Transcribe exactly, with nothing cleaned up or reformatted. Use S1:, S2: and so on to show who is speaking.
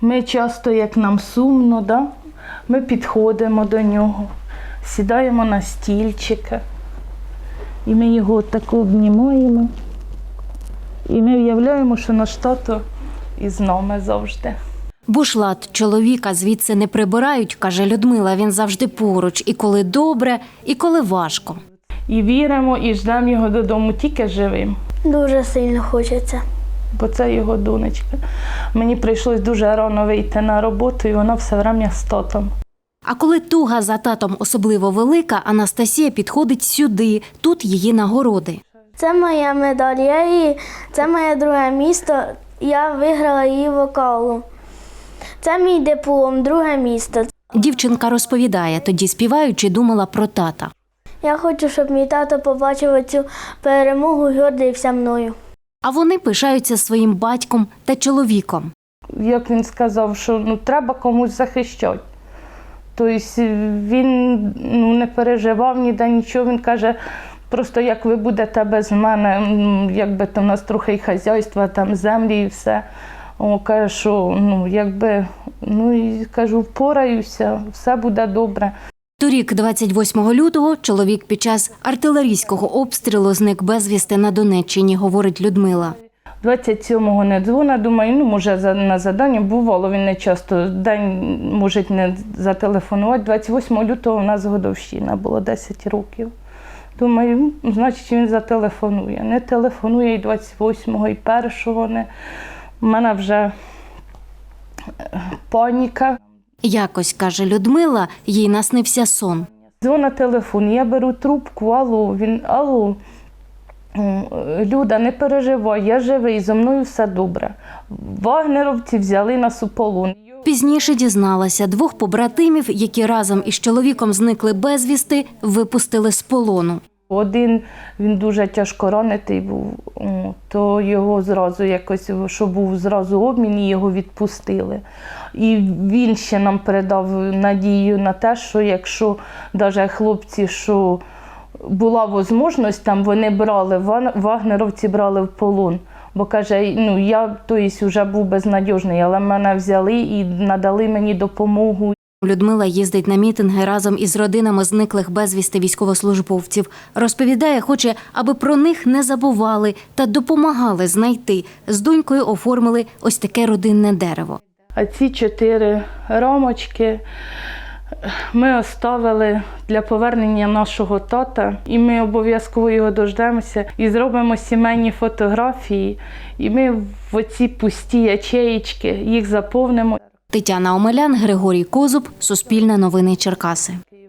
S1: Ми часто, як нам сумно, да? Ми підходимо до нього, сідаємо на стільчика, і ми його тако обнімаємо. І ми уявляємо, що наш тато із нами завжди.
S2: Бушлат чоловіка звідси не прибирають, каже Людмила, він завжди поруч, і коли добре, і коли важко.
S1: І віримо, і ждемо його додому тільки живим.
S3: Дуже сильно хочеться.
S1: Бо це його донечка. Мені прийшлось дуже рано вийти на роботу, і вона все время з татом.
S2: А коли туга за татом особливо велика, Анастасія підходить сюди, тут її нагороди.
S3: Це моя медаль, я її, це моє друге місто, я виграла її вокалу. Це мій диплом, друге місто.
S2: Дівчинка розповідає, тоді співаючи, думала про тата.
S3: Я хочу, щоб мій тато побачив цю перемогу і гордився мною.
S2: А вони пишаються своїм батьком та чоловіком.
S1: Як він сказав, що ну, треба комусь захищати. Тобто він ну, не переживав ніде нічого, він каже, просто як ви будете без мене, якби там у нас трохи і хазяйства, там землі і все. О, каже, що ну, якби, ну і кажу, впораюся, все буде добре.
S2: Торік, двадцять восьмого лютого, чоловік під час артилерійського обстрілу зник безвісти на Донеччині, говорить Людмила.
S1: двадцять сьомого не дзвонить, думаю, ну, може, на завдання бувало, він не часто, день може не зателефонувати. двадцять восьмого лютого у нас годовщина, було десять років. Думаю, значить, він зателефонує. Не телефонує і двадцять восьмого, і першого не. У мене вже паніка.
S2: Якось, каже Людмила, їй наснився сон.
S1: Дзвона телефон, я беру трубку, алло, він, алло, Люда, не переживай, я живий, зо мною все добре. Вагнеровці взяли нас у полон.
S2: Пізніше дізналася, двох побратимів, які разом із чоловіком зникли безвісти, випустили з полону.
S1: Один, він дуже тяжко ранений був, то його зразу якось, що був зразу обмін, і його відпустили. І він ще нам передав надію на те, що якщо навіть хлопці, що була можливість, там вони брали, вагнеровці брали в полон. Бо каже, ну я тобто, вже був безнадіжний, але мене взяли і надали мені допомогу.
S2: Людмила їздить на мітинги разом із родинами зниклих безвісти військовослужбовців. Розповідає, хоче, аби про них не забували та допомагали знайти. З донькою оформили ось таке родинне дерево.
S1: А ці чотири рамочки ми оставили для повернення нашого тата. І ми обов'язково його дождемося і зробимо сімейні фотографії. І ми в оці пусті ячеїчки їх заповнимо.
S2: Тетяна Омелян, Григорій Козуб, Суспільне новини Черкаси.